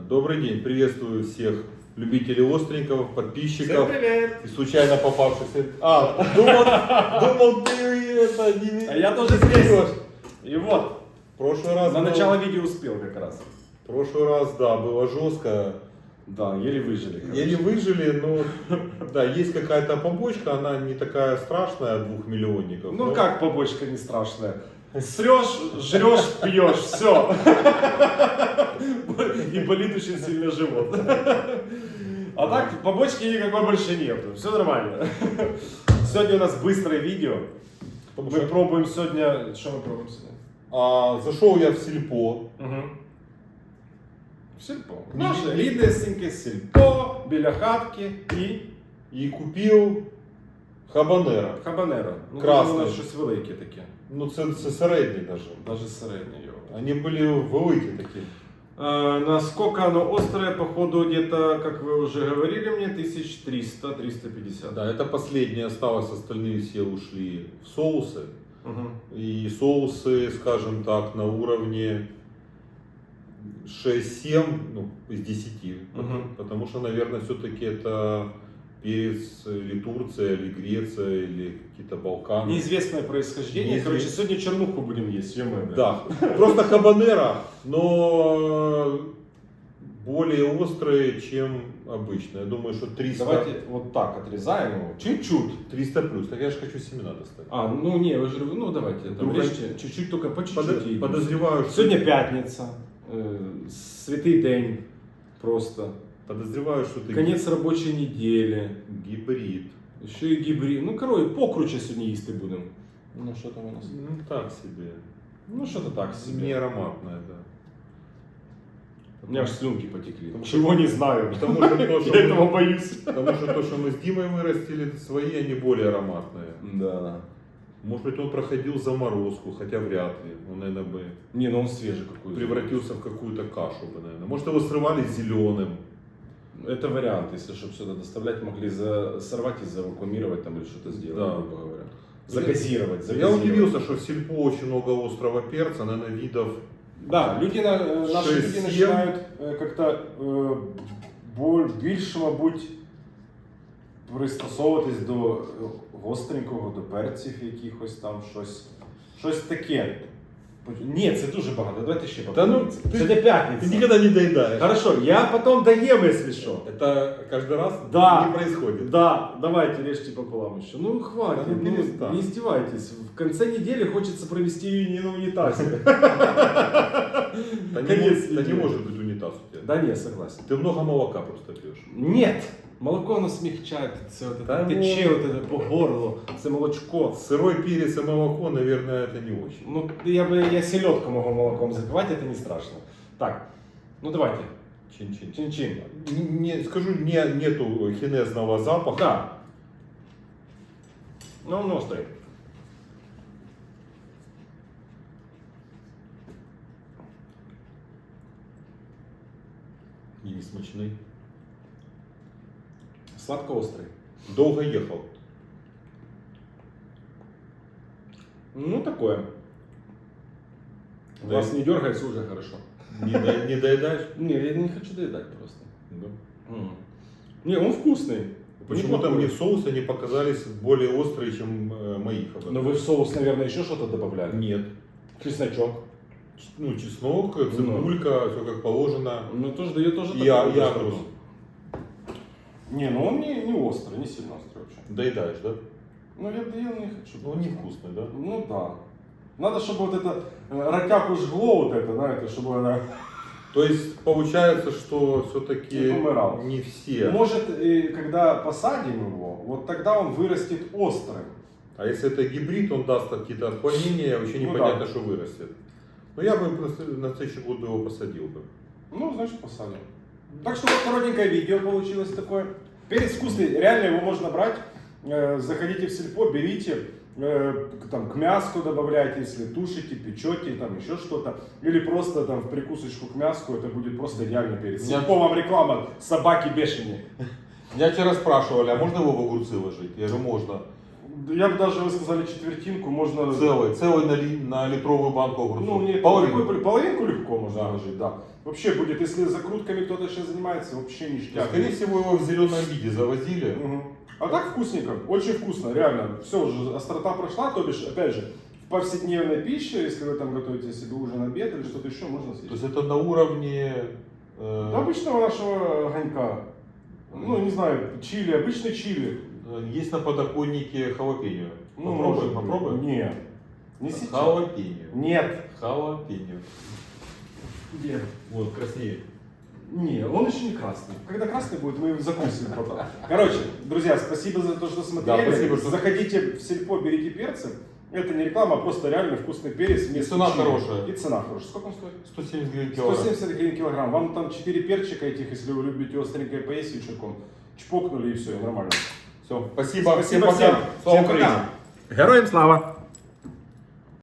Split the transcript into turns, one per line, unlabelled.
Добрый день, приветствую всех любителей остренького, подписчиков.
Всем привет!
И случайно попавшихся. Думал, ты это не...
А я тоже здесь. И вот,
В прошлый раз...
на
было-
начало видео успел как раз.
В прошлый раз, да, было жестко.
Да, еле выжили. короче.
Еле выжили, но да, есть какая-то побочка, она не такая страшная, 2 миллионников.
Ну
но-
как побочка не страшная? Срешь, жрешь, пьешь, все. И болит очень сильно живот. А так побочки никакой больше нету. Все нормально. Сегодня у нас быстрое видео.
Потому
Мы
что-
пробуем сегодня... Что мы пробуем сегодня?
Зашел я в сельпо.
Сільпо. Наше ріднесеньке сільпо, біля хатки і
И купил хабанера.
хабанеро. Ну,
Красне.
у нас щось велике таке.
Ну, це середній даже.
Даже середнє його.
Они были великие такие.
Насколько оно острое, походу, где-то, как вы уже говорили мне, 1300-350.
Да, это последнее осталось, остальные все ушли в соусы.
Мгм.
И соусы, скажем так, на уровне 6-7 ну, из 10.
Мгм.
Потому что, наверное, все-таки это перец или Турция, или Греция, или какие-то Балканы.
Неизвестное происхождение.
Неизвестно.
Короче, сегодня чернуху будем есть. Ё-моё, блядь.
Да, просто хабанера, но более острые, чем обычно. Я думаю, что 300,
Давайте вот так отрезаем его. Чуть-чуть.
300 плюс. Так я же хочу семена достать.
А, ну не, вы же, ну давайте, там,
Вдруг
режьте чуть-чуть, только по чуть-чуть. и-
Подозреваю, что...
Сегодня пятница, святый день просто.
Подозреваю, что ты
Конец рабочей недели.
гибрид.
Еще и гибрид. Ну, короче, покруче сегодня їсти будемо. Ну, що там у нас?
Ну так себе.
Ну, что-то так себе.
Не ароматная, да.
У меня аж слюнки потекли.
Потому
Чего не знаю.
Потому что то, что
Я этого
мы,
боюсь.
потому что то, что мы с Димой вырастили, свои, они более ароматные.
Да.
Может быть, он проходил заморозку, хотя вряд ли. Он, наверное, бы
Не, ну он свежий какой-то.
превратился в какую-то кашу бы, наверное. Может, его срывали зеленым.
Это вариант, если чтобы сюда доставлять, могли сорвать и завакуумировать там или что-то сделать,
Да.
грубо говоря. Загазировать.
Я удивился, что в сельпо очень много острого перца, наверное, видов.
Да, люди, наши
6-7.
люди начинають как-то більше, мабуть, пристосовуватись до гостренького, до перців якихось там, щось таке. Ні, це дуже багато, давайте ще
Та ну,
попробуємо.
ти-
Це не
Ты
п'ятниця.
никогда не доедаешь.
Хорошо, я потом доем, если что.
Это каждый раз
Да.
не происходит.
Да, давайте режьте пополам еще. Ну хватит,
Да ну, перестань.
не издевайтесь. В конце недели хочется провести ее не на унитазе.
Да не,
Конец
да не
недели.
может быть унитаз у тебя.
Да не, согласен.
Ты много молока просто пьешь.
Нет! Молоко оно смягчает, все вот
Да
это тече вот это по горлу, це молочко.
Сырой перец и молоко, наверное, это не очень.
Ну, я селедку могу молоком запивать, это не страшно. Так, ну давайте,
Чин-чин.
чин-чин.
Не, скажу, нету хинезного запаха.
Да. Ну, он острый.
И не смачный.
Сладко-острый.
Долго ехал.
Ну, такое.
Да.
Вас не дергается уже хорошо.
Не доедаешь?
Не, я не хочу доедать просто.
Да.
Не, он вкусный.
Почему-то
Неплохой.
мне в соусе они показались более острые, чем мои хабары.
Но вы в соус, наверное, еще что-то добавляли?
Нет.
Чесночок.
Ну, чеснок, цибулька, все как положено.
Ну, тоже, ее тоже
Я
такое
агрус.
что-то. Не, ну он не острый, не сильно острый вообще.
Доедаешь, да?
Ну, я не хочу.
Ну, он невкусный, да?
Ну, да. Надо, чтобы вот это ротяку жгло вот это, знаете, чтобы она...
То есть получается, что все-таки
Не помирал.
не все.
Может, и когда посадим его, вот тогда он вырастет острым.
А если это гибрид, он даст какие-то отклонения, вообще
Ну
непонятно,
да.
что вырастет. Но я бы просто на следующий год бы его посадил бы.
Ну, значит, посадим. Так что вот коротенькое видео получилось такое. Перец вкусный, реально его можно брать. Заходите в сельпо, берите, там, к мяску добавляйте, если тушите, печете, там еще что-то. Или просто там в прикусочку к мяску, это будет просто идеальный перец.
Я-
Сельпо вам реклама, собаки бешеные.
Меня вчера спрашивали, а можно его в огурцы ложить? Я говорю, можно.
Я бы даже, вы сказали, четвертинку можно...
Целый на литровую банку огурцов.
Ну, нет,
половину.
половинку легко можно
Да.
положить, да. Вообще будет, если закрутками кто-то сейчас занимается, вообще ништяк.
Скорее всего, его в зеленом виде завозили.
Мгм. А так вкусненько, очень вкусно, реально. Все уже, острота прошла, то бишь, опять же, в повседневной пище, если вы там готовите себе ужин, обед или что-то еще, можно съесть.
То есть это на уровне...
До обычного нашего огонька. Ну, не знаю, чили, обычный чили.
Есть на подоконнике халапеньо.
Ну,
Попробуем,
может быть.
попробуем?
Нет. Не сейчас.
Халапеньо.
Нет.
Халапеньо.
Где?
Вот, краснее.
Не, он еще не красный. Когда красный будет, мы его закусим потом. Короче, друзья, спасибо за то, что смотрели.
Да, спасибо, что-
Заходите в сельпо, берите перцы. Это не реклама, а просто реально вкусный перец.
И цена хорошая.
И цена хорошая. Сколько он стоит?
170 гривен килограмм.
170 гривен килограмм. Вам там 4 перчика этих, если вы любите остренькое поесть вечерком. Чпокнули и все, и нормально.
Все, спасибо.
Спасибо
всем пока.
всем.
Слава
Всем
Украине.
пока. Героям слава!